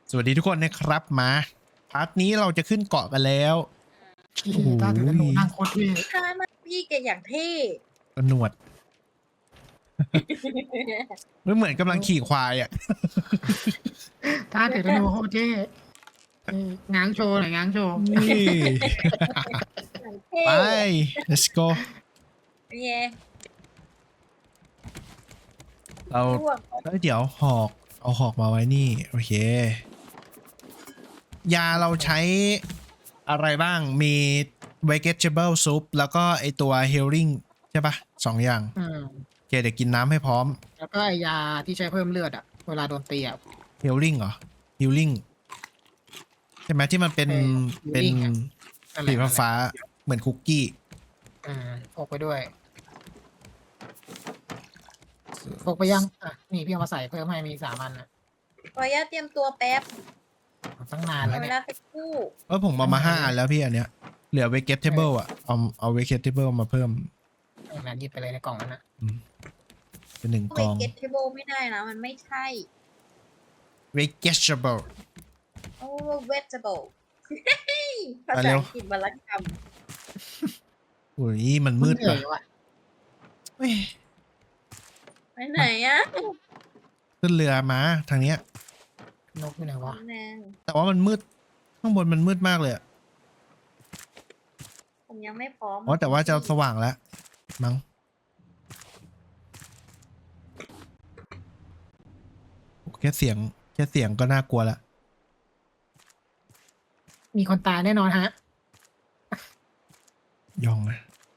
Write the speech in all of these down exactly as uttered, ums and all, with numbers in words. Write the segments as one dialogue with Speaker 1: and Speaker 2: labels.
Speaker 1: สวัสดีทุกคนนะครับมาพาร์ทนี้เราจะขึ้นเกาะกันแล้ว
Speaker 2: โอ้โหถ้าถึงหนูนั่งโคตรเท่
Speaker 3: ถ้ามันพี่แกอย่างเท่
Speaker 1: กระหนวดไม่เหมือนกำลังขี่ควายอ่ะ
Speaker 2: ถ้าถึงหนูโคตรเท่เออง้างโชว์หน่อยง้างโชว์
Speaker 1: นี่
Speaker 3: อย่างเท่
Speaker 1: ไป let's go
Speaker 3: เย่
Speaker 1: เรา
Speaker 3: ร่วง
Speaker 1: เอ้ยเดี๋ยวหอกเอาหอกมาไว้นี่โอเคยาเราใช้อะไรบ้างมี vegetable soup แล้วก็ไอตัว healing ใช่ปะสองอย่าง
Speaker 2: อืม
Speaker 1: โอเคเดี๋ยวกินน้ำให้พร้อม
Speaker 2: แล้วก็ไอยาที่ใช้เพิ่มเลือดอ่ะ เวลาโดนตีอ่ะ
Speaker 1: healing เหรอ healing ใช่ไหมที่มันเป็น
Speaker 2: เออ
Speaker 1: เป็น
Speaker 2: healing อะ นั่นแห
Speaker 1: สี
Speaker 2: ละ
Speaker 1: ฟ้าๆเหมือนคุกกี้
Speaker 2: อืมพกไปด้วยพกไปยังอ่ะนี่พี่เอามาใส่เพิ่มให้มีสามอันอ่ะ
Speaker 3: ขออนุญาตเตรียมตัวแป๊บ
Speaker 2: ตั้งนาน
Speaker 3: ข
Speaker 2: แล้
Speaker 3: อ
Speaker 2: ว
Speaker 3: เว
Speaker 2: เนี่ย
Speaker 3: ลาสักครู่
Speaker 1: เออผมเอามาห้าอันแล้วพี่อันเนี้ยเหลือ vegetable อ่ะเอาเอา vegetable มาเพิ่ม
Speaker 2: นะหยิบไปเลยในกล่องนั้นนะ
Speaker 1: อืมเป็นหนึ่ง
Speaker 3: เว
Speaker 1: กอง
Speaker 3: เกตเทเบิลไม่ได้นะมันไม่ใช่
Speaker 1: vegetable
Speaker 3: โอ้เวจเบิลภา
Speaker 1: ไป
Speaker 3: ษา
Speaker 1: เร็ว
Speaker 3: อังกฤษวรรณกรรม
Speaker 1: อุ้ยมันมืด
Speaker 2: เหนื่
Speaker 1: ป่ะ
Speaker 2: อยว่ะ
Speaker 1: เอ้ย
Speaker 3: ไปไหนอะ
Speaker 1: ขึ้นเรือมาทางเนี้ย
Speaker 2: นกอยู่ไหนวะ
Speaker 3: แนง
Speaker 1: แต่ว่ามันมืดข้างบนมันมืดมากเลยอะ
Speaker 3: ผมยังไม่พร้อม
Speaker 1: อ๋อแต่ว่าจะสว่างแล้วมั้งแค่เสียงแค่เสียงก็น่ากลัวละ
Speaker 2: มีคนตายแน่นอนฮะ
Speaker 1: ยองนะ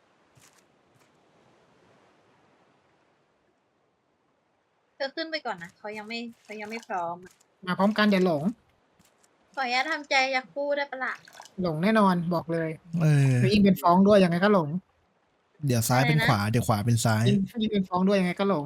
Speaker 3: เธอขึ้นไปก่อนนะเขายังไม่เขายังไม่พร้อม
Speaker 2: มาพร้อมกันเดี๋ยวหลง
Speaker 3: ขออนุญาตทำใจอยากพูดได้ปะล่ะ
Speaker 2: หลงแน่นอนบอกเลย
Speaker 1: เออ
Speaker 2: แล้วยิ่งเป็นฟ้องด้วยยังไงก็หลง
Speaker 1: เดี๋ยวซ้ายเป็น
Speaker 3: อะไรนะ
Speaker 1: ขวาเดี๋ยวขวาเป็นซ้าย
Speaker 2: ยิ่งยิ่งเป็นฟ้องด้วยยังไงก็หลง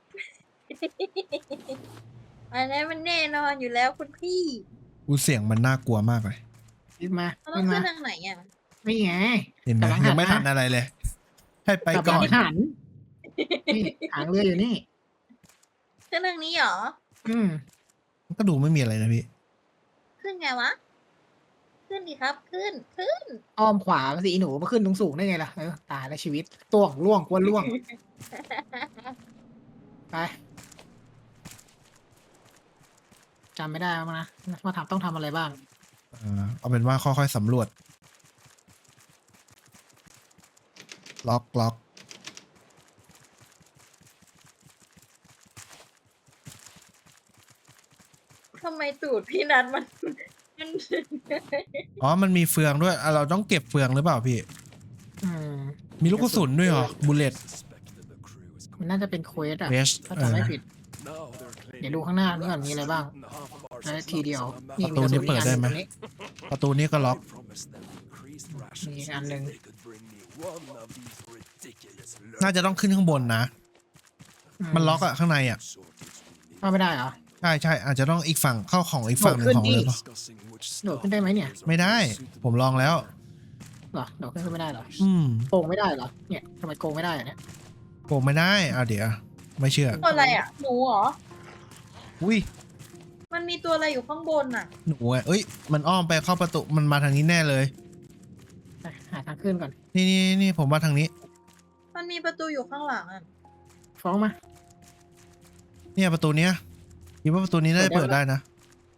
Speaker 3: อันนี้มันแน่นอนอยู่แล้วคุณพี่
Speaker 1: อูเสียงมันน่ากลัวมากเลย
Speaker 2: ขึ้นมา
Speaker 3: เราต้อ
Speaker 2: ขึ้
Speaker 3: ง
Speaker 2: น
Speaker 3: ขึ้
Speaker 2: มาน
Speaker 3: ทางไหนอ่ะ
Speaker 2: นี่ไง
Speaker 1: เห็นไหม
Speaker 2: กำลังหัน
Speaker 1: ยังไม่
Speaker 2: มา
Speaker 1: ทันอะไรเลย ให้ไป
Speaker 2: กลับ
Speaker 1: ก่อน
Speaker 2: หลังหันนี่หางเรืออยู่นี่
Speaker 3: ขึ้นทางนี้เหรอ
Speaker 2: อืม
Speaker 1: ก็ดูไม่มีอะไรนะพี่
Speaker 3: ขึ้นไงวะ ขึ้นดีครับ ขึ้น ขึ้น
Speaker 2: อ้อมขวาสิอีหนูมาขึ้นตรงสูงได้ไงล่ะเออตายแล้วชีวิตตัวของล่วงกวนล่วงไปจำไม่ได้แล้วนะมาทำต้องทำอะไรบ้าง
Speaker 1: อ่าเอาเป็นว่าค่อยๆสำรวจ ล็อกล็อก
Speaker 3: ทำไมตูดพี่นัทมันมัน
Speaker 1: อ๋อ มันมีเฟืองด้วยอ่ะเราต้องเก็บเฟืองหรือเปล่าพี่
Speaker 2: อืม
Speaker 1: มีลูกกระสุนด้วยเหรอ บุลเลต
Speaker 2: มันน่าจะเป็นเควสอะ
Speaker 1: เวส
Speaker 2: ถ้า
Speaker 1: เอ
Speaker 2: จำ
Speaker 1: อ
Speaker 2: ไม่ผิด เดี๋ยวดูข้างหน้านี่ก่อนมีอะไรบ้างแล้วทีเดียวนี่
Speaker 1: ประตูนี้เปิดได้ไหม
Speaker 2: ตรงนี้
Speaker 1: ประตูนี้ก็ล็อก
Speaker 2: มีอีกอันหนึ่ง
Speaker 1: น่าจะต้องขึ้นข้างบนนะ
Speaker 2: อื
Speaker 1: มันล็อกอะข้างในอะ
Speaker 2: เข้าไม่ได้เหรอ
Speaker 1: ใช่ใช่อาจจะต้องอีกฝั่งเข้าของอีกฝั่งหนึ่งของเรือเปล่า
Speaker 2: โดดขึ้นได้ไหมเนี่ย
Speaker 1: ไม่ได้ ผมลองแล้ว
Speaker 2: เหรอโดดขึ้นไม่ได้เหรอ
Speaker 1: อืม
Speaker 2: โกงไม่ได้เหรอเนี่ยทำไมโกงไม่ได้อะเนี่ย
Speaker 1: โกงไม่ได้เอาเดี๋ยว ไม่เชื่อ
Speaker 3: ตัวอะไรอ่ะ หนูเหรอ
Speaker 1: อุ้ย
Speaker 3: มันมีตัวอะไรอยู่ข้างบนอ่ะ
Speaker 1: หนูอะเอ้ย มันอ้อมไปเข้าประตู มันมาทางนี้แน่เลย
Speaker 2: ไปหาทางขึ้นก่อน
Speaker 1: นี่นี่นี่ผมว่าทางนี้
Speaker 3: มันมีประตูอยู่ข้างหลังอ่ะ
Speaker 2: ฟ้องมา
Speaker 1: เนี่ยประตูเนี้ยคิดว่าประตูนี้น่าจะ
Speaker 2: เปิ
Speaker 1: เปิ
Speaker 2: ด
Speaker 1: ด
Speaker 2: ได้
Speaker 1: ได้นะ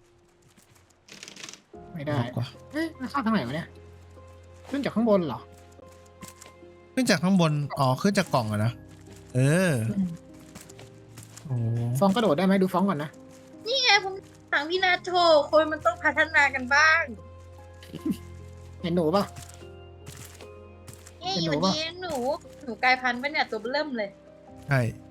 Speaker 2: ไม่ได้
Speaker 1: ล็อกว่ะ
Speaker 2: เอ๊ะมันเข้าทางไหนวะเนี่ยขึ้นจากข้างบนเหรอ
Speaker 1: ขึ้นจากข้างบน อ๋อ ขึ้นจากกล่องอะนะ เออ โอ้
Speaker 2: ฟ้องกระโดดได้ไหมดูฟ้องก่อนนะ
Speaker 3: นี่ไงผมถามพี่นาโชคนมันต้องพัฒนากันบ้าง
Speaker 2: เห็นหนูป่ะ
Speaker 3: เอ้ย
Speaker 2: เป็นหนู
Speaker 3: วัน
Speaker 2: ปะ
Speaker 3: นี้หนู หนูกลายพันธุ์ปะเนี่ยตัวเริ่มเลย
Speaker 1: ใช่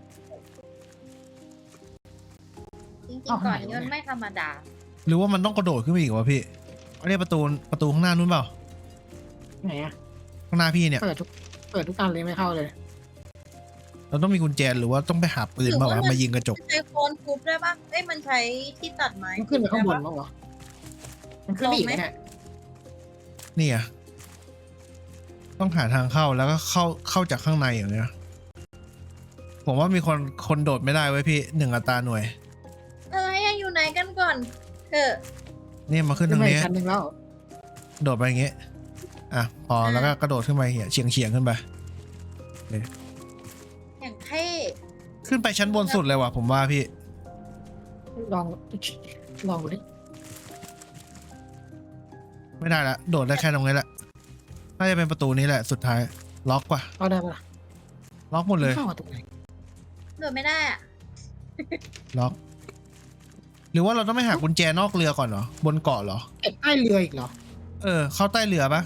Speaker 3: จริงๆก่อนนี้มันไม่ธรรมดา
Speaker 1: หรือว่ามันต้องกระโดดขึ้นไปอีกวะพี่อันนี้ประตู ประตูข้างหน้านู้นเปล่า
Speaker 2: ไหนอะ
Speaker 1: ข้างหน้าพี่เนี่ย
Speaker 2: เปิดทุกเปิดทุกอันเลยไม่เข้าเลย
Speaker 1: เราต้องมีกุญแจหรือว่าต้องไปหาปืนมาวะมายิงกระจก
Speaker 3: ใช้โคนทุบได้ปะเอ้ยมันใช้ที่ตัดไม้
Speaker 2: มันขึ้นไปข้างบน
Speaker 3: ได้ปะ
Speaker 2: มั้งวะมันขึ้นไปอีกไหมเนี่ย
Speaker 1: นี่อะต้องหาทางเข้าแล้วก็เข้า เข้าจากข้างในอย่างเงี้ย ผมว่ามีคน คนโดดไม่ได้ไว้ยพี่หนึ่งอัตราหน่วย
Speaker 3: อะไรอะอยู่ไหนกันก่อนเถอะ
Speaker 1: นี่มาขึ้น
Speaker 2: ขึ้
Speaker 1: ทาน ง
Speaker 2: มาอี
Speaker 1: นี้
Speaker 2: กชั้นหนึ่งแล้ว
Speaker 1: โดดไปอย่างเงี้ยอ่ะพอแล้วก็กระโดดขึ้นไปเฉียงเฉียงๆขึ้นไป
Speaker 3: อย่างเท่
Speaker 1: ขึ้นไปชั้นบนสุดเลยว่ะผมว่าพี่
Speaker 2: ลองลองดูดิ
Speaker 1: ไม่ได้ละโดดได้แค่ตรงนี้แหละน่าจะเป็นประตูนี้แหละสุดท้ายล็อกว่ะ
Speaker 2: เอาได้ปะล่ะ
Speaker 1: ล็อกหมดเลย
Speaker 2: เข้ามาตรงไหน
Speaker 3: โดดไม่ได้อ่ะ
Speaker 1: ล็อก หรือว่าเราต้องไปหากุญแจนอกเรือก่อนเหรอบนเกาะเหรอ
Speaker 2: เก็บใต้เรืออีกเหรอ
Speaker 1: เออ เข้าใต้เรือปะ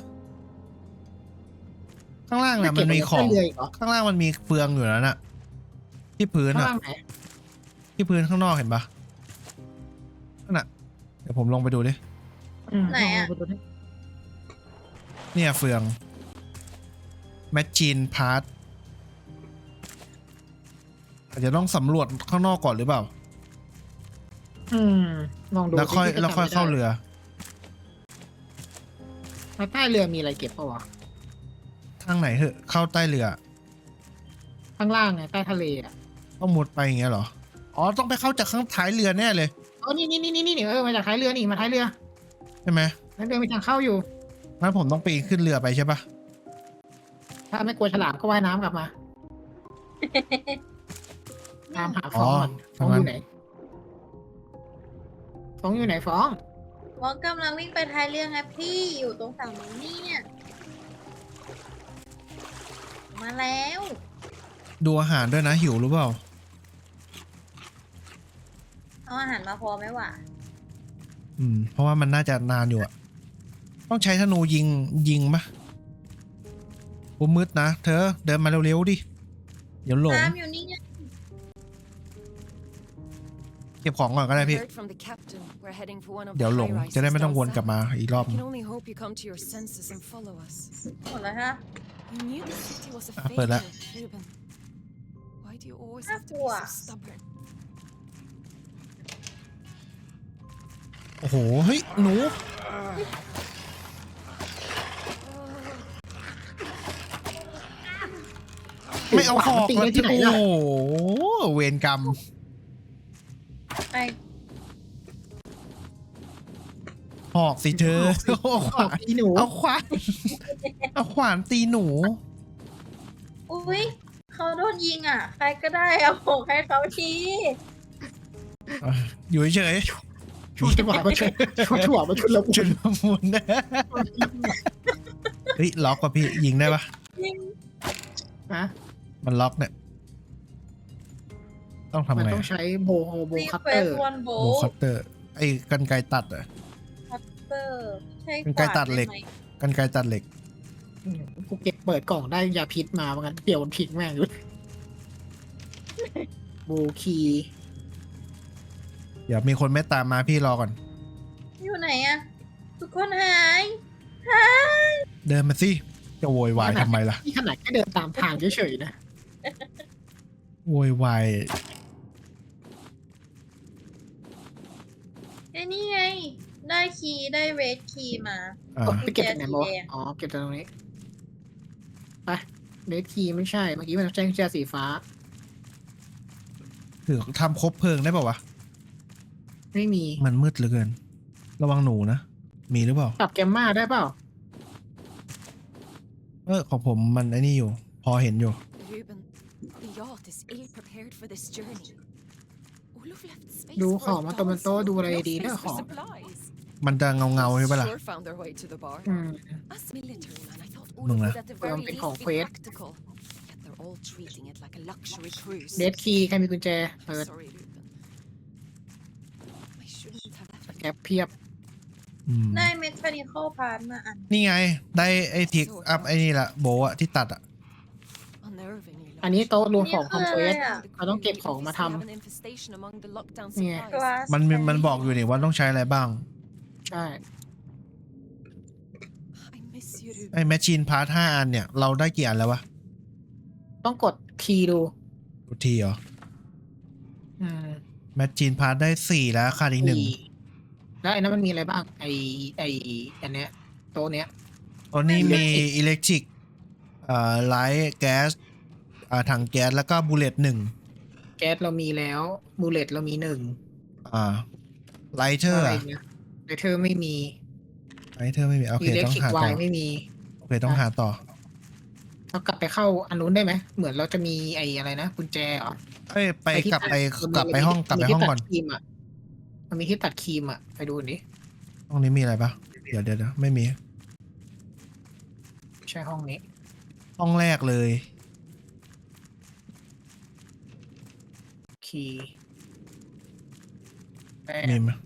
Speaker 1: ข้างล่างน่ะ
Speaker 2: ไเก็
Speaker 1: มั
Speaker 2: บ
Speaker 1: นมี
Speaker 2: ไว้
Speaker 1: ของ
Speaker 2: ใต้เรืออีกเหรอ
Speaker 1: ข้างล่างมันมีเฟืองอยู่แล้วน่ะ ที่พื้น
Speaker 2: ข้าง
Speaker 1: อ่ะ
Speaker 2: ล่างไหน
Speaker 1: ที่พื้นข้างนอกเห็นปะนั่นน่ะเดี๋ยวผมลงไปดูดิ
Speaker 2: อืม
Speaker 3: ไหนอะ
Speaker 2: ลงปดูดิ
Speaker 1: เนี่ยเฟืองแมชชีนพาร์ทอาจจะต้องสำรวจข้างนอกก่อนหรือเปล่า
Speaker 2: อืมลองดู
Speaker 1: แล้วค่อย
Speaker 2: ดิ
Speaker 1: แล้วค่อย
Speaker 2: จำไม่ได้
Speaker 1: เข้าเรือ
Speaker 2: แล้วใต้เรือมีอะไรเก็บเปล่าวะ
Speaker 1: ทางไหนเหอะเข้าใต้เรือ
Speaker 2: ข้างล่างไงใต้ทะเลอ่ะ
Speaker 1: ต้องมุดไปอย่างเงี้ยเหรอ อ๋อ ต้องไปเข้าจากข้างท้ายเรือแน่เลย
Speaker 2: เออนี่นี่นี่นี่นี่เออมาจากท้ายเรือนี่มาท้ายเรือ
Speaker 1: ใช่ไหม
Speaker 2: ท้ายเรือมีทางเข้าอยู่
Speaker 1: งั้นผมต้องปีนขึ้นเรือไปใช่ปะ
Speaker 2: ถ้าไม่กลัวฉลามก็ว่ายน้ำกลับมาตามหาฟองก่อนฟองอยู่ไหนฟองอยู่ไหนฟอง
Speaker 3: วองกำลังวิ่งไปท้ายเรือไงพี่อยู่ตรงฝั่งนู้นเนี่ยมาแล้ว
Speaker 1: ดูอาหารด้วยนะหิวหรือเปล่า
Speaker 3: เอาอาหารมาพอไหมวะ
Speaker 1: อืม เพราะว่ามันน่าจะนานอยู่อะต้องใช้ธนูยิงยิงปะโอ้มืดนะเธอเดินมาเร็วๆดิ เดี๋ยวหลง
Speaker 3: น้ำอยู่นี่ไง
Speaker 1: เก็บของก่อนก็ได้พี่
Speaker 4: Heard from the captain. We're heading for one of
Speaker 1: เดี๋ยว
Speaker 4: the
Speaker 1: หลง
Speaker 4: high-rises
Speaker 1: จะได้ไม่ต้อง
Speaker 4: down
Speaker 1: วนกลับ
Speaker 4: south.
Speaker 1: มาอีกรอบ
Speaker 4: I can only hope you come to your senses and follow us.
Speaker 3: หมดแล้วฮะ
Speaker 4: You knew the city was a
Speaker 1: Ah, but
Speaker 4: failure,
Speaker 1: that-
Speaker 4: Ruben. Why do you always
Speaker 3: Ah,
Speaker 4: have to be
Speaker 3: boah.
Speaker 4: so stubborn?
Speaker 1: โอ้โห เฮ้ย หนู ไม่เอาหอก
Speaker 2: ตี
Speaker 1: มา
Speaker 2: ได้ที่ไหน
Speaker 1: โอ้
Speaker 2: ล่ะ
Speaker 1: โห เวรกรรม
Speaker 3: ไป
Speaker 1: หอกสิเธอเอาขวาน
Speaker 2: อีหนู
Speaker 1: เอาขวาน เอาขวานตีหนู
Speaker 3: อุ้ยเขาโดนยิงอ่ะ ใครก็ได้เอาของให้เขาที
Speaker 1: อยู่เฉย
Speaker 2: ช่วยจังหวะมาช่วยช่วยจังหวะมาช่วยเรา
Speaker 1: ๆจุดละมุนนะเฮ้ย ล็อกป่ะพี่ ยิงได้ปะ
Speaker 3: ยิง
Speaker 2: นะ
Speaker 1: มันล็อกเนี่ย ต้อง
Speaker 2: มัน
Speaker 1: ทำไง
Speaker 2: ต้องใช้โบโฮโบ
Speaker 3: รี
Speaker 2: คัต
Speaker 3: เคว
Speaker 2: เตอ
Speaker 3: ส
Speaker 2: ร์
Speaker 3: วันโบ
Speaker 1: โบคัตเตอร์ ไอ้กันไกรตัดอะ
Speaker 3: คัตเตอร์ใช่
Speaker 1: เป็นไกลตัดเหล็ก
Speaker 3: ไม
Speaker 1: กันไกรตัดเหล็ก
Speaker 2: กูเก็บเปิดกล่องได้ยาพิษมาเหมือนกันเปี่ยวมันพิษแม่งอยู่โบคี
Speaker 1: เดี๋ยวมีคนไม่ตามมาพี่รอก่อน
Speaker 3: อยู่ไหนอะทุกคนหายหาย
Speaker 1: เดินมาสิ จะโวยวายทำไมล่ะ
Speaker 2: นี่ขนาดแค่เดินตามทางเฉยๆนะ
Speaker 1: โวยวาย
Speaker 3: ไอ้นี่ไง ได้คีย์ได้เรดคีย์มา
Speaker 1: อ่า
Speaker 2: ไปเก็บจากไหนมาวะ
Speaker 3: กุญแจสีแดง
Speaker 2: อ๋อเก็บจากตรงนี้ไปเดทคีไม่ใช่เมื่อกี้มันแจ้งกุญแจสีฟ้า
Speaker 1: ถือทำครบเพลิงได้ป่าวะ
Speaker 2: ไม่มี
Speaker 1: มันมืดเหลือเกิน ระวังหนูนะ มีหรือเปล่า
Speaker 2: ปรับแกมมาได้เปล่า
Speaker 1: เออของผมมันไอ้นี่อยู่ พอเห็นอยู่
Speaker 4: Ruben, the yacht is ill prepared for this journey. Olaf left space
Speaker 2: ดู
Speaker 4: for
Speaker 2: ของมาตัวมันโต
Speaker 4: thousand,
Speaker 2: ดูอะไร
Speaker 4: no
Speaker 2: ดี
Speaker 4: space
Speaker 2: เด้อ
Speaker 4: for
Speaker 2: ของ
Speaker 4: supplies.
Speaker 1: มันจะเงาเงาๆใช่ปะล่ะ
Speaker 4: Sure found their way to the bar.
Speaker 2: อืม
Speaker 4: As military man, I thought
Speaker 1: Mừng
Speaker 4: Olaf
Speaker 1: là-
Speaker 4: would at the very
Speaker 2: Ôngเป็น
Speaker 4: least
Speaker 2: ของ
Speaker 4: be
Speaker 2: เควส
Speaker 4: practical. Yet they're all treating it like a luxury cruise.
Speaker 2: เดทคีใครมีกุญแจเปิด
Speaker 4: Sorry, Ruben. I shouldn't have left.
Speaker 2: แกปเพียบ
Speaker 1: อืม
Speaker 3: ได้เมคานิคอลพาร์ทมาอัน
Speaker 1: นี่ไง ได้ไอ้ทิกอัพไอ้นี่ละโบอะที่ตัดอะ
Speaker 4: Unnervingly
Speaker 2: อันนี้โต๊ะรวม
Speaker 3: นี่
Speaker 2: ของคอม
Speaker 3: คือ
Speaker 2: เพล
Speaker 3: อะไร
Speaker 2: ส
Speaker 3: อะ
Speaker 2: เราต้องเก็บของมาทำ เนี่ย
Speaker 3: กลาส
Speaker 1: มันมันบอกอยู่นี่ว่าต้องใช้อะไรบ้าง
Speaker 2: ใช่
Speaker 1: ไอ้แมชชีนพาร์ทห้าอันเนี่ย เราได้กี่อันแล้ววะ
Speaker 2: ต้องกดคีย์ดู
Speaker 1: ดูทีเหรอ
Speaker 2: อืม
Speaker 1: แมชชีนพาร์ทได้สี่แล้วขาดอีกหนึ่ง
Speaker 2: สี่แล้วไอ้นั้นมันมีอะไรบ้าง ไอไออันเนี้ยโต๊ะเนี้ย
Speaker 1: ตอนนี้มีอิเล็กทริกเอ่อไลท์แก๊สอ่าถังแก๊สแล้วก็บูเลตหนึ่ง
Speaker 2: แก๊สเรามีแล้วบูเลตเรามีหนึ่ง
Speaker 1: อ่าไลเทอร์
Speaker 2: อะไร
Speaker 1: อะ
Speaker 2: เนี่ยไเลเทอร์ไม่มี
Speaker 1: ไอเธอไม่มีโอเค
Speaker 2: อิเล็ก
Speaker 1: ต้อง
Speaker 2: ทริก
Speaker 1: หา
Speaker 2: ไว
Speaker 1: ต่อ
Speaker 2: ไม่มี
Speaker 1: โอเคต้องหาต่อ
Speaker 2: เรากลับไปเข้าอันนู้นได้ไหมเหมือนเราจะมีไอ้อะไรนะกุญแจเหรอ
Speaker 1: เอ้ยไป
Speaker 2: ที่
Speaker 1: กลับไป
Speaker 2: ตัด
Speaker 1: กลับไปห้องกลับไปห้องก่อน
Speaker 2: มัมีที่ตัดครีมอ่ะมันมีที่ตัดครีมอ่ะไปดูดิ
Speaker 1: ห้องนี้มีอะไรปะเดี๋ยวเดี๋ยวเดี๋ยวไม่มี
Speaker 2: ใช่ห้องนี้
Speaker 1: ห้องแรกเลย
Speaker 2: คีย์แป
Speaker 1: มี
Speaker 2: ด
Speaker 1: ไหม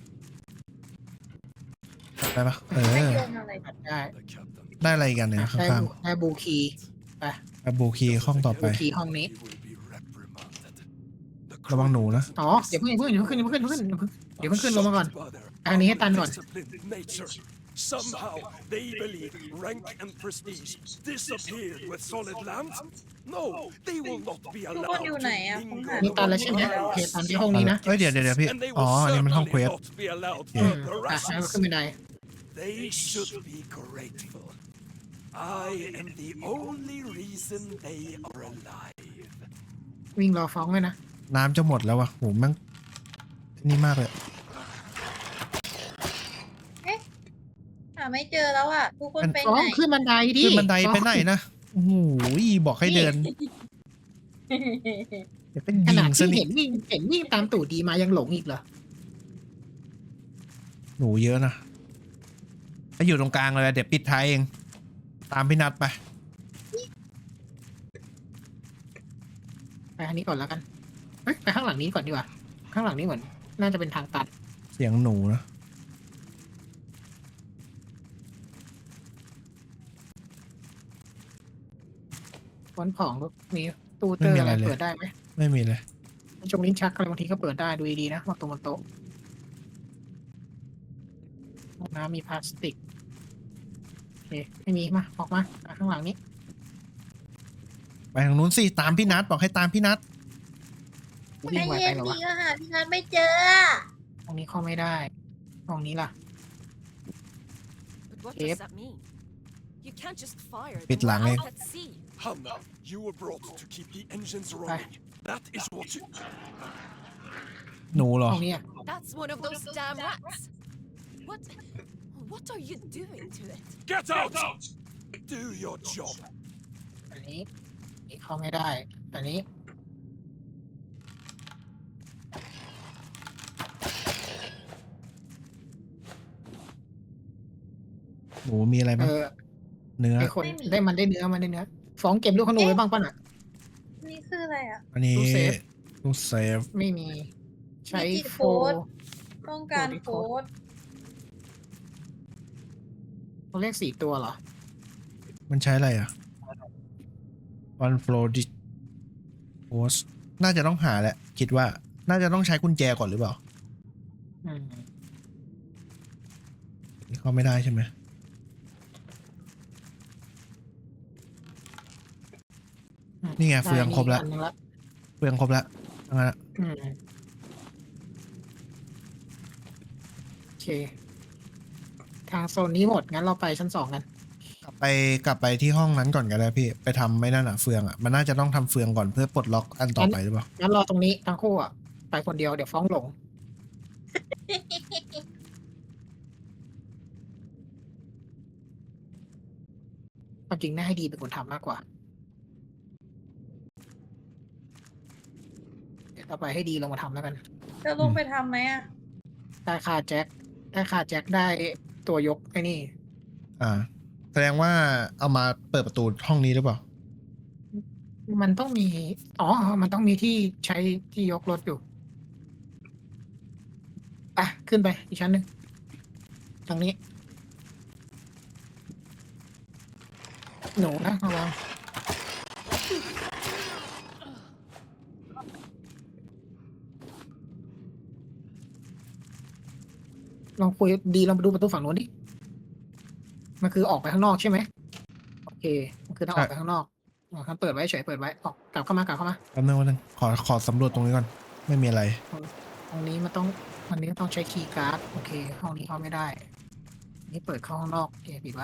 Speaker 1: กลับได้ปะเอ
Speaker 3: ไม่
Speaker 1: อ
Speaker 3: โยนอะไร
Speaker 2: ตัดได้
Speaker 1: ได้อะไรอีกันเนี่ย
Speaker 2: ได้
Speaker 1: ข้าง
Speaker 2: บูได้บูคีย์ไป
Speaker 1: ๆแบบบูคีห้องต่อไป
Speaker 2: บูคีย์ห้องนี้
Speaker 1: ระวังหนูนะ
Speaker 2: อ๋อเดี๋ยวเพิ่งเพิ่งเดี๋ยวเพิ่งเพิ่งเพิ่งเพิ่งเดี๋ยวเพิ่งขึ้นลงมาก่อนทางนี้ให้ตันก่อน
Speaker 5: Somehow they believe rank and prestige disappeared with solid land. No, they will not be
Speaker 3: ทุกคน
Speaker 5: allowed
Speaker 3: อยู่
Speaker 5: to
Speaker 3: ไหนอ่ะผมหา
Speaker 5: linger
Speaker 2: นี่ตันแล้วใช่ไหมโอเคตันที่ห้องนี้นะ
Speaker 1: เอ้ยเดี๋ยวเดี๋ยวเดี๋ยวพี่
Speaker 5: and they
Speaker 1: อ๋อ
Speaker 5: will
Speaker 1: อันนี้มันห้องเคว
Speaker 5: certainly
Speaker 1: ส
Speaker 5: not be allowed
Speaker 2: อืม
Speaker 5: further
Speaker 2: อ่ะให้มันขึ้น
Speaker 5: rations.
Speaker 2: บันได
Speaker 5: They should be grateful. I am the only reason they are alive.
Speaker 2: วิ่งรอฟ้องเลยนะ
Speaker 1: น้ำจะหมดแล้ววะโหแม่งนี่มากเลย
Speaker 3: หาไม่เจอแล้วอ่ะ ทุกคนไป
Speaker 2: ฟ้อ
Speaker 3: ไห
Speaker 2: ง
Speaker 3: น
Speaker 2: ขึ้นบันไดดิ
Speaker 1: ขึ้นบันได
Speaker 2: ฟ้อง
Speaker 1: ไปไหนนะโอ้โหบอกให้เดินเดี๋ยวเป็น
Speaker 2: ข
Speaker 1: ยิ
Speaker 2: นาด
Speaker 1: งซะ
Speaker 2: ที่
Speaker 1: นี่
Speaker 2: เห็นวิ่งเห็นวิ่งตามตู่ดีมายังหลงอีกเหรอ
Speaker 1: หนูเยอะนะไปอยู่ตรงกลางเลยเดี๋ยวปิดท้ายเอง ตามพี่นัดไป
Speaker 2: ไปทางนี้ก่อนแล้วกันเฮ้ยไปข้างหลังนี้ก่อนดีกว่า ข้างหลังนี้เหมือนน่าจะเป็นทางตัด
Speaker 1: เสียงหนูนะ
Speaker 2: วันของมีตู้เตอร์อะไรเปิดได้ไหม
Speaker 1: ไม่มีเลย
Speaker 2: จงลิ้นชักอะไรบางทีก็เปิดได้ดูดีๆนะวางตรงบนโต๊ะห้องน้ำมีพลาสติกโอเคไม่มีมาออกมามาข้างหลังนี้
Speaker 1: ไปทางนู้นสิตามพี่นัดบอกให้ตามพี่นัด
Speaker 2: วิ่
Speaker 3: ไอง
Speaker 2: ไว
Speaker 3: เย็
Speaker 2: ไป
Speaker 3: น
Speaker 2: เหรอ
Speaker 3: ดี
Speaker 2: วะ
Speaker 3: ก็หาพี่นัทไม่เจออะ
Speaker 2: ห้องนี้เข้าไม่ได้ห้องนี้ล่ะ
Speaker 4: But what
Speaker 2: Yep.
Speaker 4: does that mean? You can't just fire
Speaker 1: Bit
Speaker 4: them. We're
Speaker 1: lang, eh.
Speaker 4: out at sea.
Speaker 5: Hannah, you were brought to keep the engines running. That is what you...
Speaker 1: หนูเหรอ
Speaker 2: ห้องนี้อะ
Speaker 4: That's one of those damn rats. What? What are you doing to it?
Speaker 5: Get out! Do your job.
Speaker 2: อันนี้อันนี้เข้าไม่ได้ อันนี้
Speaker 1: หนูมีอะไร
Speaker 2: เอ
Speaker 1: บ้าง
Speaker 2: อ
Speaker 1: เนื้อ
Speaker 2: ไอคนได้มันได้เนื้อมันได้เนื้อฟ้องเก็บลูกขนูไว้บ้างป่ะน่ะ
Speaker 3: นี่คืออะไรอ่ะ
Speaker 1: อันนี้
Speaker 2: ตู้เซฟ
Speaker 1: ตู้เซฟ
Speaker 2: ไม่มี ใช้
Speaker 3: Digit
Speaker 2: โฟ
Speaker 3: code ต้องการ
Speaker 2: โค้
Speaker 3: โค้
Speaker 2: ด
Speaker 3: ด
Speaker 2: เขาเรียกสี่ตัวเหรอ
Speaker 1: มันใช้อะไรอ่ะ one flow d i post น่าจะต้องหาแหละ คิดว่า น่าจะต้องใช้กุญแจก่อนหรือเปล่า
Speaker 2: อืม
Speaker 1: นี่เข้าไม่ได้ใช่ไหม นี่ไงเฟืองครบแล้ว
Speaker 2: ได้นี่อันนึงละ
Speaker 1: เฟืองครบแล้วทั้งนั้นอะ
Speaker 2: อืมโอเค ทางโซนนี้หมด งั้นเราไปชั้นสองกัน
Speaker 1: กลับไปกลับไปที่ห้องนั้นก่อนก็ได้พี่ ไปทำไม่นั่นอ่ะเฟืองอ่ะ มันน่าจะต้องทำเฟืองก่อนเพื่อปลดล็อกอันต่อไปหรือเปล่า
Speaker 2: งั้นรอตรงนี้ทั้งคู่อ่ะ ไปคนเดียวเดี๋ยวฟ้องหลง ความจริงน่าให้ดีเป็นคนทำมากกว่า เดี๋ยวต่อไปให้ดีลงมาทำแล้วกัน
Speaker 3: จะลงไปทำไหมอ่ะ
Speaker 2: ได้ค่าแจ็ค ได้ค่าแจ็คได้ตัวยกไอ้นี่
Speaker 1: อ่า แสดงว่าเอามาเปิดประตูห้องนี้หรือเปล่า
Speaker 2: มันต้องมี อ๋อ มันต้องมีที่ใช้ที่ยกรถอยู่อ่ะขึ้นไปอีกชั้นหนึ่งทางนี้ หนูนะระวังลองคุยดีลองไปดูประตูฝั่งนู้นดิ มันคือออกไปข้างนอกใช่ไหม โอเค มันคือต้องออกไปข้างนอกอ๋อครับเปิดไว้เฉยเปิดไว้ออกกลับเข้ามากลับเข้ามา
Speaker 1: แป๊บนึงแป๊บนึงขอขอสำรวจตรงนี้ก่อน ไม่มีอะไร
Speaker 2: ตรงนี้มันต้องวันนี้ต้องใช้คีย์การ์ดโอเค ห้องนี้เข้าไม่ได้ นี่เปิดเข้าข้างนอกโอเคปิดไว้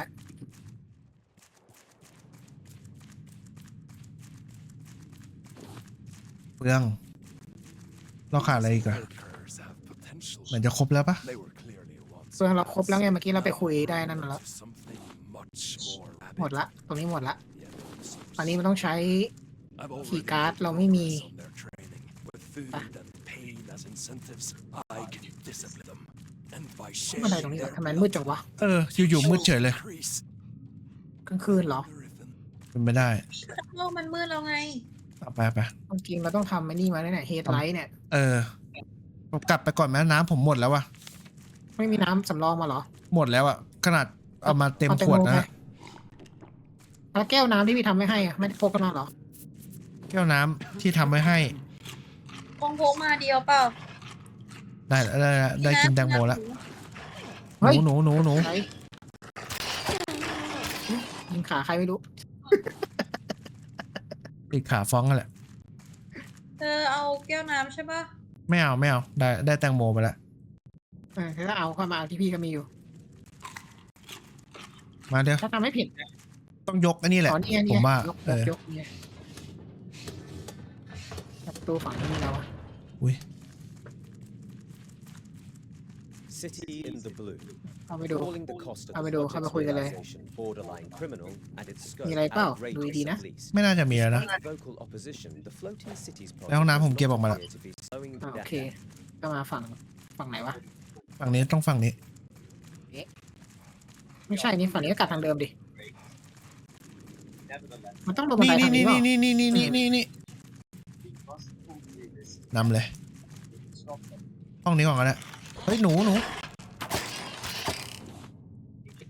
Speaker 1: เฟือง เราขาดอะไรอีกอะ
Speaker 5: Workers have potential.
Speaker 1: เหมือนจะครบแล้วปะ
Speaker 5: They were clearly once
Speaker 2: ส่วนเราครบแล้วไงเมื่อกี้เราไปคุยได้นั่นมาแล้ว
Speaker 5: To something much more
Speaker 2: หมด
Speaker 5: rapid.
Speaker 2: ละตรงนี้หมดละ
Speaker 5: Yeah,
Speaker 2: อันนี้มันต้องใช้
Speaker 5: I've already
Speaker 2: key card
Speaker 5: made
Speaker 2: เราไม่มี
Speaker 5: progress on their training. With food and pain as incentives, I can discipline them. And by
Speaker 2: บันได
Speaker 5: sharing
Speaker 2: ตรงนี้
Speaker 5: their
Speaker 2: ทำไมมืดจังวะ
Speaker 1: เออ อยู่ๆมืดเฉยเลย
Speaker 5: increase
Speaker 2: กลางคืนเหรอ
Speaker 5: the rhythm.
Speaker 1: เป็นไม่ได้
Speaker 3: โลกมันมืดแล้วไง
Speaker 1: เอาไปไป
Speaker 2: จริงๆเราต้องทำไอ้นี่มาเนี่ยเฮดไลท์เนี่ย
Speaker 1: เออผมกลับไปก่อนแม่น้ำผมหมดแล้ววะ
Speaker 2: ไม่มีน้ำสำรองมาเหรอ
Speaker 1: หมดแล้วอะขนาดเอามาเต็ม
Speaker 2: อาแตง
Speaker 1: ขวด
Speaker 2: โไหม
Speaker 1: นะ
Speaker 2: แล้วแก้วน้ำที่พี่ทำไม่ให้อะไม่ได้พกกันมาเหรอ
Speaker 1: แก้วน้ำที่ทำไว้ให้
Speaker 3: คงพกมาเดียวเปล่า
Speaker 1: ได้แล้วได้แล้วได้กินแตงโมแล้ว ห
Speaker 2: เฮ้ย
Speaker 1: นูหนูหนูหนู
Speaker 2: ใครยิงขาใครไม่รู้
Speaker 1: ติดขาฟ้องกันแหละ
Speaker 3: เธอเอาแก้วน้ำใช่ปะ
Speaker 1: ไม่เอาไม่เอาได้ได้แตงโมไปแล้ว
Speaker 2: เออถ้าเอาเข้ามาเอาที่พี่ก็มีอยู่
Speaker 1: มาเดี๋ยว
Speaker 2: ถ้าทำไม่ผิด
Speaker 1: ต้องยกอันนี้แหละ
Speaker 2: อ๋อนี่ไง
Speaker 1: ผ
Speaker 2: นี่
Speaker 1: ม
Speaker 2: ไง
Speaker 1: ว่าย
Speaker 2: ก
Speaker 1: เอย
Speaker 2: ก
Speaker 1: อย
Speaker 2: กเนี่ยประตูฝั่งนี้แล้วอะ
Speaker 1: อุ้ย
Speaker 6: City in the blue.
Speaker 2: เอาไปดู
Speaker 6: Calling the cost of
Speaker 2: เอาไป
Speaker 6: the
Speaker 2: ดูเข้ามา
Speaker 6: project's
Speaker 2: คุยกันเลย
Speaker 6: realization borderline criminal and its scope
Speaker 2: มีอะไรเปล่า ดูดี
Speaker 6: outrageous
Speaker 2: ๆนะ
Speaker 6: at least.
Speaker 1: ไม่น่าจะมีแล้วนะ
Speaker 6: Despite vocal opposition, the floating cities
Speaker 1: แล้วห้อง
Speaker 6: project
Speaker 1: น้ำผม
Speaker 6: does
Speaker 1: เก็บ
Speaker 6: not
Speaker 1: ออกมาแล้ว
Speaker 6: appear to be slowing
Speaker 2: อ่าโอ
Speaker 6: down.
Speaker 2: เค ก็มาฝั่งฝั่งไหนวะ
Speaker 1: ฝั่งนี้ต้องฝั่งนี้
Speaker 2: ไม่ใช่นี่ฝั่งนี้ก็กลับทางเดิมดิ มันต้องลงบัน
Speaker 1: นี่
Speaker 2: ได
Speaker 1: นี่
Speaker 2: ทางนี้
Speaker 1: นี่
Speaker 2: เปล่า
Speaker 1: นี่นี่นี่นี่นี่นี่นำเลย ห้องนี้ก่อนก็ได้เฮ้ยหนูหนูโอเค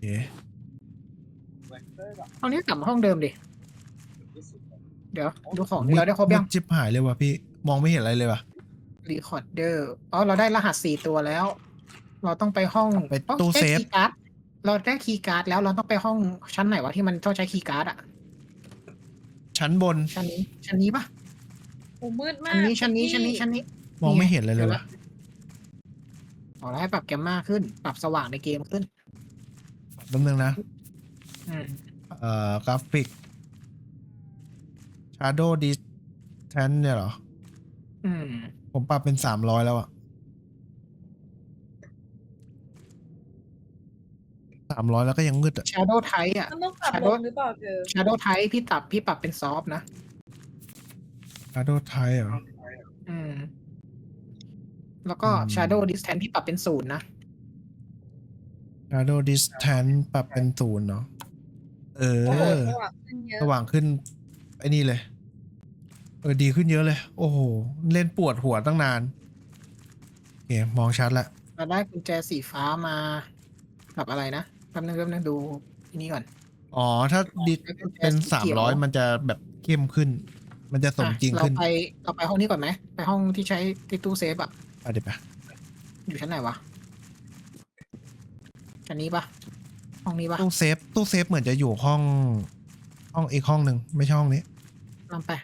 Speaker 2: ห้องนี้กลับมาห้องเดิมดิ เดี๋ยวดูของที่เราได้ครบยัง
Speaker 1: มืดจิบหายเลยว่ะพี่มองไม่เห็นอะไรเลยว่ะ
Speaker 2: รีคอร์ดเดอร์อ๋อเราได้รหัสสี่ตัวแล้ว เราต้องไปห้อง
Speaker 1: ไป
Speaker 2: อ๋อ
Speaker 1: ตู้
Speaker 2: ได้
Speaker 1: เซฟ
Speaker 2: คีย์การ์ดเราได้คีย์การ์ดแล้วเราต้องไปห้องชั้นไหนวะที่มันต้องใช้คีย์การ์ดอะ
Speaker 1: ชั้นบน
Speaker 2: ชั้นนี้ชั้นนี้ปะ
Speaker 3: โอ้มืดมา
Speaker 2: ชั้
Speaker 3: ก
Speaker 2: นนี้ชั้นนี้
Speaker 3: พี่
Speaker 2: ชั้นนี้ชั้นนี้
Speaker 1: มองไม่เห็นเลยเลยว่ะ
Speaker 2: อ๋อแล้วให้ปรับแกมมาขึ้น ปรับสว่างในเกมขึ้น
Speaker 1: แป๊บนึงนะ
Speaker 2: อืม
Speaker 1: เอ่อกราฟิก Shadow Distance เนี่ยเหรอ
Speaker 2: อืม
Speaker 1: ผมปรับเป็นสามร้อยแล้วอะสามร้อยแล้วก็ยังมืดอะ
Speaker 2: Shadow Type อะ
Speaker 3: มันต้องปรับลงหรือเปล่าเธอ
Speaker 2: Shadow Type พี่ตับพี่ปรับเป็นซอฟนะ
Speaker 1: Shadow Type เหรอ
Speaker 2: อืม แล้วก็
Speaker 1: อืม
Speaker 2: Shadow Distance พี่ปรับเป็นศูนย์นะ
Speaker 1: Shadow Distance ปรับเป็นศูนย์เนาะเอ
Speaker 3: โอ้โห
Speaker 1: อ
Speaker 3: สว่างขึ้นเยอะ
Speaker 1: สว่างขึ้นไอ้นี่เลย เออดีขึ้นเยอะเลย โอ้โห เล่นปวดหัวตั้งนานโอเคมองชัดละ
Speaker 2: เราได้กุญแจสีฟ้ามากับอะไรนะแป๊บนึงแป๊บนึงดูที่นี่ก่อน
Speaker 1: อ๋อ ถ้าดิเป็น
Speaker 2: สี
Speaker 1: สาม
Speaker 2: ขียว
Speaker 1: ร้อยมันจะแบบเข้มขึ้น มันจะสมจริง
Speaker 2: อ่ะ
Speaker 1: ขึ้น
Speaker 2: เราไปเราไปห้องนี้ก่อนไหมไปห้องที่ใช้ที่ตู้เซฟอะ
Speaker 1: อ่ะเดี๋ยวไป
Speaker 2: อยู่ชั้นไหนวะชั้นนี้ปะห้องนี้ปะ
Speaker 1: ตู้เซฟตู้เซฟเหมือนจะอยู่ห้อง ห้องอีกห้องหนึ่งไม่ใช่ห้องนี้
Speaker 2: ตามไป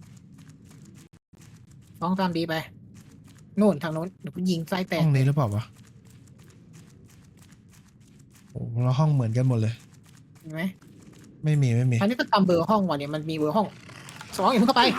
Speaker 2: ห้องตามดีไปนู่นทางโน้นเดี๋ยวกูยิงไส้แตก
Speaker 1: ห้องนี้หรือเปล่าวะโอ้แล้วห้องเหมือนกันหมดเลย
Speaker 2: เห็นไหม
Speaker 1: ไม่มีไม่มี
Speaker 2: อันนี้ก็ตามเบอร์ห้องว่ะเนี่ยมันมีเบอร์ห้องสองอย่าเพิ่งเข้าไป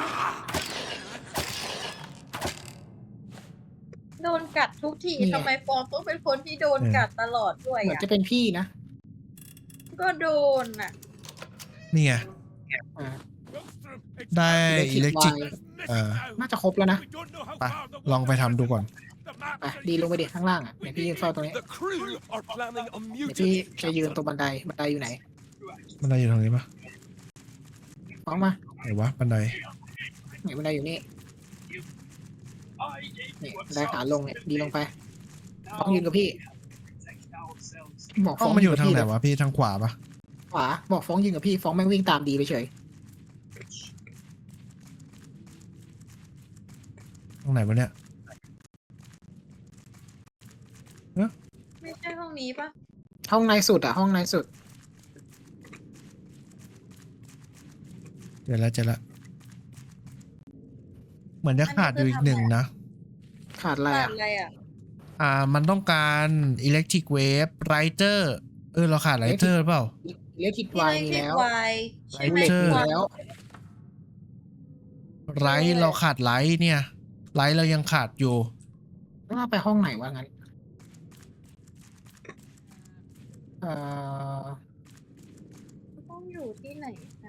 Speaker 3: โดนกัดทุกที
Speaker 2: นี่ไง
Speaker 3: ทำไมฟองต้องเป็นคนที่โดนกัดตลอดด้วย
Speaker 2: เหมือน
Speaker 3: อ่ะ
Speaker 2: จะเป็นพี่นะ
Speaker 3: ก็โดนอ่ะ
Speaker 1: นี่ไง
Speaker 2: อ่า
Speaker 1: ได้อิเล็กทริก
Speaker 2: Electric
Speaker 1: เออ
Speaker 2: น่าจะครบแล้วนะ
Speaker 1: ไปลองไปทำดูก่อน
Speaker 2: ไปดีลงไปดิข้างล่างอ่ะเดี๋ยวพี่ยืนเฝ้าตรงนี้
Speaker 5: The crew are planning a
Speaker 2: เดี๋ยวพี่
Speaker 5: mutiny.
Speaker 2: จะยืนตรงบันไดบันไดอยู่ไหน
Speaker 1: บันไดอยู่ตรงนี้ปะ
Speaker 2: ฟ้องมา
Speaker 1: ไหนวะบันได
Speaker 2: ไหนบันไดอยู่นี่นี่บันไดขาลงเนี่ยดีลงไปฟ้องยืนกับพี่บอก
Speaker 1: ห้
Speaker 2: ฟ้
Speaker 1: อ
Speaker 2: อง ง
Speaker 1: มันอยู่ทางไหน
Speaker 2: กับพี่
Speaker 1: วะพี่ทางขวาปะ
Speaker 2: ขวาบอกฟ้องยืนกับพี่ฟ้องแม่งวิ่งตามดีไปเฉย
Speaker 1: ตรงไหนวะเนี่ย
Speaker 3: ไม่ใช่ห้องนี้ปะ
Speaker 2: ห้องในสุดอ่ะห้องในสุด
Speaker 1: เดี๋ยวแล้วเจะละ เหมือนจะขาดอยู่อีกหนึ่งนะ
Speaker 2: ขาดอะไร
Speaker 3: ขาด
Speaker 2: อ่ะ
Speaker 3: อะไรอ่ะ
Speaker 1: อ่า มันต้องการอิเล็กทริกเวฟไรเตอร์เออ เราขาดไรเตอร์เปล่า
Speaker 2: เล็กคิดไวมีแล้ว
Speaker 3: ไวใช่ไหม
Speaker 2: เล็ก
Speaker 1: Lighter
Speaker 2: มี
Speaker 3: ไว
Speaker 2: แล้ว
Speaker 1: ไรเราขาดไรเนี่ย ไรเรายังขาดอยู่
Speaker 2: ต้องเอาไปห้องไหนวะงั้นเอ่อ
Speaker 3: ต้องอยู่ที่ไหนนะ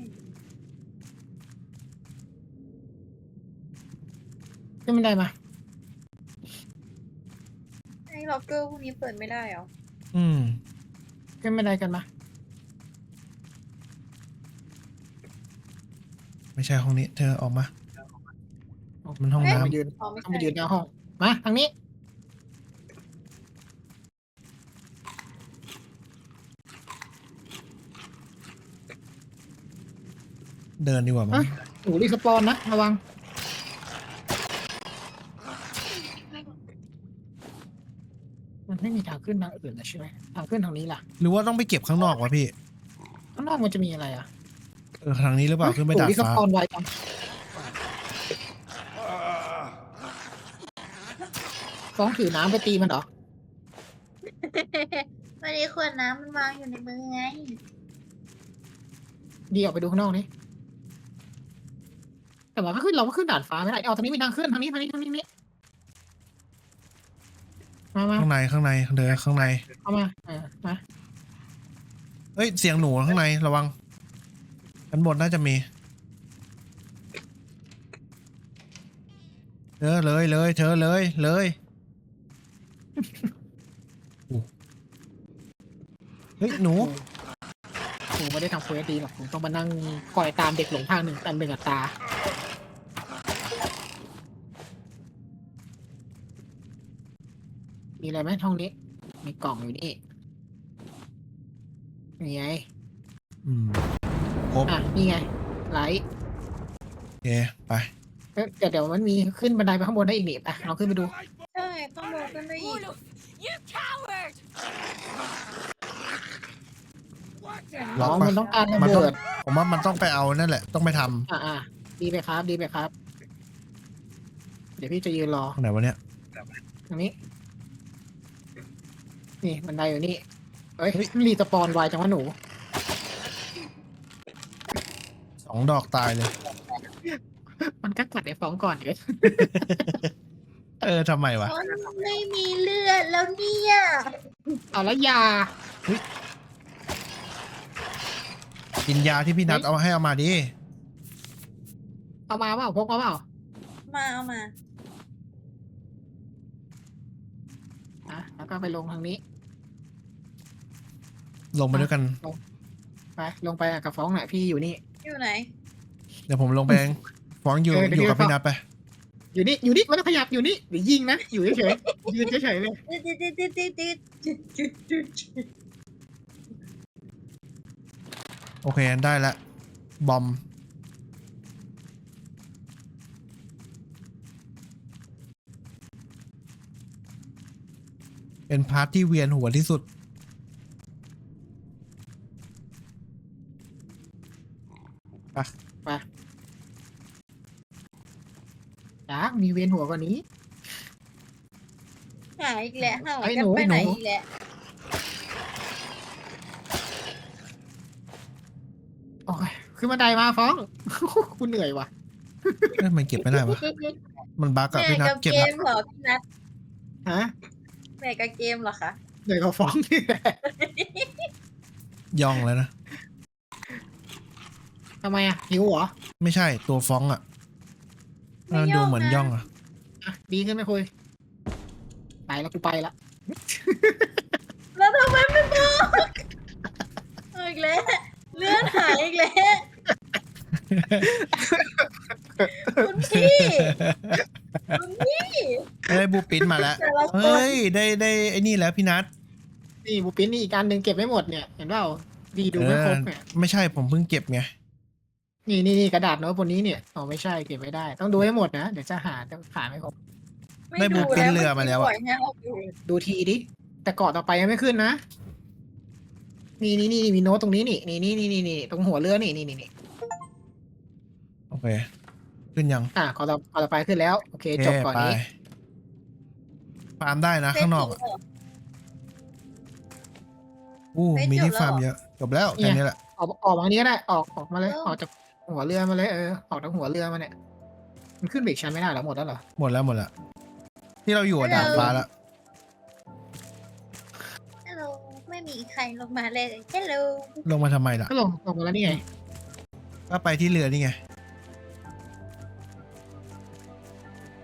Speaker 2: ขึ้นไม่ได้มา
Speaker 3: ไอ้ล็อกเกอร์พวกนี้เปิดไม่ได้เหรอ
Speaker 1: อืม
Speaker 2: ขึ้นไม่ได้กันมา
Speaker 1: ไม่ใช่ห้องนี้ เธอออกมา มันห้อง
Speaker 3: เอ๊ะ
Speaker 1: น้ำ
Speaker 2: มายืน
Speaker 3: อ๋อไม่
Speaker 2: ต้อง
Speaker 3: ใช่
Speaker 2: ไปยืนหน้าห้อง มาทางนี้
Speaker 1: เดินดีกว่ามั้
Speaker 2: เอ้
Speaker 1: ง
Speaker 2: ย หนูรีสปอนนะระวัง มันไม่มีทางขึ้นทางอื่นนะใช่ไหมทางขึ้นทางนี้ล่ะ
Speaker 1: หรือว่าต้องไปเก็บข้างนอกวะพี่
Speaker 2: ข้างนอกมันจะมีอะไรอ่ะ
Speaker 1: เออทางนี้หรือเปล่าขึ้นไป
Speaker 2: หนู
Speaker 1: ดาด
Speaker 2: รีส
Speaker 1: ฟ้า
Speaker 2: ปอนไวจังฟ้องถือน้ำไปตีมันเหรอ
Speaker 3: วันนี้ขวดน้ำมันวางอยู่ในมือไง
Speaker 2: ดีออกไปดูข้างนอกนี่แต่ว่าก็ขึ้นเราก็ขึ้นดาดฟ้าไม่ได้เอาทางนี้มีทางขึ้นทางนี้ทางนี้ทางนี้นี่มามา
Speaker 1: ข้างในข้างในเดินข้างใน
Speaker 2: เอามาเออมา
Speaker 1: เฮ้ยเสียงหนูข้างในระวังชั้นบนน่าจะมีเธอเลยเลยเธอเลยเลยโอ้เฮ้ยหนู
Speaker 2: ครูไม่ได้ทำเควสดีหรอกผมต้องมานั่งคอยตามเด็กหลงทางหนึ่งตามหนึ่งอัตรามีอะไรไหมห้องนี้ มีกล่องอยู่นี่นี่ไง
Speaker 1: อืมครบ
Speaker 2: อ่ะ นี่ไง ไลท์
Speaker 1: โอเคไป
Speaker 2: เอ้ยเดี๋ยวเดี๋ยวมันมีขึ้นบันไดไปข้างบนได้อีกนี่อ่ะเราขึ้นไปดู
Speaker 3: ใช่ต้องดูขึ้นไปอีก
Speaker 4: Olaf, you coward!
Speaker 1: ล็
Speaker 2: น้
Speaker 1: อก
Speaker 2: อง
Speaker 1: ปะ
Speaker 2: มันต้องการระ
Speaker 1: มันต้อ
Speaker 2: เบิ
Speaker 1: ง
Speaker 2: ด
Speaker 1: ผมว่ามันต้องไปเอานั่นแหละ ต้องไปท
Speaker 2: อ่าอ่าดีไปครับ ดีไปครับ เดี๋ยวพี่จะยืนรอ
Speaker 1: ำตรงไหนวะเนี่ย
Speaker 2: ตรงนี้ นี่บันไดอยู่นี่เอ้ยรีสปอนไวจังวะหนู
Speaker 1: สองดอกตายเลย
Speaker 2: มันก็กัดไอ้ฟองก่อนเดี๋ยว
Speaker 1: เออทำไมวะ
Speaker 3: เพราะไม่มีเลือดแล้วเนี่ย
Speaker 2: เอาละยา
Speaker 1: กินยาที่พี่นัดเอาให้เอามาดิ
Speaker 2: เอามาเปล่าพกมาเปล่า
Speaker 3: มาเอามา
Speaker 2: อ่ะแล้วก็ไปลงทางนี้
Speaker 1: ลงไปด้วยกัน
Speaker 2: ไป ลงไปกับฟ้องหน่อยพี่อยู่นี่
Speaker 3: อยู่ไหน
Speaker 1: เดี๋ยวผมลงไปเองฟ้องอยู่
Speaker 2: เออเดี๋ยว
Speaker 1: อยู่กับ
Speaker 2: พี่
Speaker 1: พี่นัดไป
Speaker 2: อยู่นี่ อยู่นี่ไม่ต้องขยับอยู่นี่เดี๋ยวยิงนะ อยู่เฉยๆยืนเฉยๆเลย
Speaker 3: ติดติดติดติดติดติดติดติดติด
Speaker 1: โอเคได้ละบอม เป็นพาร์ทที่เวียนหัวที่สุด ไป
Speaker 2: ไปจ้ามีเวียนหัวกว่านี้
Speaker 3: หายอีกแล้วหาย
Speaker 2: ไอ้
Speaker 3: กั
Speaker 2: หนู
Speaker 3: นไปไหน
Speaker 2: หนู
Speaker 3: อีกแล้ว
Speaker 2: โอ้ยขึ้นบันไดมาฟ้อง คุณเหนื่อยว่ะ
Speaker 1: เอ้ยมันเก็บไม่ได้วะมันบั๊กอะ
Speaker 3: เหนื่
Speaker 1: พี่
Speaker 3: อย
Speaker 1: นัด
Speaker 3: กับ
Speaker 1: เก็บ
Speaker 3: เก
Speaker 1: ละ
Speaker 3: มเหรอพี่นัท
Speaker 2: ฮะ
Speaker 3: เหนื่อยกับเกมเหรอคะ
Speaker 2: เหนื่อยกว่าฟ้องนี่แหละ
Speaker 1: ย่องเลยนะ
Speaker 2: ทำไมอ่ะหิวเหรอ
Speaker 1: ไม่ใช่ตัวฟ้องอะเออดูเหมือนย่องอะ
Speaker 2: อ่ะดีขึ้นไหมคุย ไปแล้วกูไปละ
Speaker 3: แล้วทำไมไม่บอกเอาอีกแล้วเลื่อนหายอีกแล้วคุณพี่คุณพี่
Speaker 1: ได้บูปินมาแล้ว
Speaker 3: แต่ละคน
Speaker 1: เฮ้ยได้ได้ไอ้นี่แล้วพี่นัท
Speaker 2: นี่บูปินนี่อีกอันหนึ่งเก็บไม่หมดเนี่ย เห็นเปล่าดีดูไม่ครบเนี่ย
Speaker 1: ไม่ใช่ผมเพิ่งเก็บไง
Speaker 2: นี่นี่นี่กระดาษโน้ตบนนี้เนี่ยอ๋อไม่ใช่เก็บไม่ได้ ต้องดูให้หมดนะ เดี๋ยวจะหาจะหาไม่ครบ
Speaker 1: ได้บูปินเรือมาแล้วอะ
Speaker 3: ปยให้เราดู
Speaker 2: ดูทีดิ แต่เกาะต่อไปยังไม่ขึ้นนะ นี่นี่นี่มีโน้ตตรงนี้นี่นี่นี่นี่นี่นี่ตรงหัวเรือนี่นี่นี่นี่
Speaker 1: โอเค ขึ้นยัง
Speaker 2: อ่ะเกาะต่อเกาะต่อไปขึ้นแล้ว โอเค
Speaker 1: โอเค
Speaker 2: จบก่อน
Speaker 1: ไป
Speaker 2: นี้
Speaker 1: ฟาร์มได้นะ ข้างนอกอะ
Speaker 3: เฟซบุ๊เหร
Speaker 1: อู้
Speaker 3: เฮ้ย
Speaker 1: มีที่
Speaker 3: จบแล้ว
Speaker 1: ฟาร์มเยอะ จบแล้วแค่นี้แหละ
Speaker 2: ออกออกมาทางนี้ก็ได้ออกออกมาเลย
Speaker 3: เออ
Speaker 2: ออกจากหัวเรือมาเลยเออออกจากหัวเรือมาเนี่ยมันขึ้นเบรกชั้นไม่ได้แล้วหมดแล้วเหรอ
Speaker 1: หมดแล้วหมดแล้ว ที่เราอยู่อะดาดฟ้าแล้ว
Speaker 3: ฮัลโหลไม่ไม่มีใครลงมาเลย ฮัลโหล
Speaker 1: ลงมาทำไมล่ะ
Speaker 2: ก็ลงลงมาแล้วนี่ไง
Speaker 1: ก็ไปที่เรือนี่ไง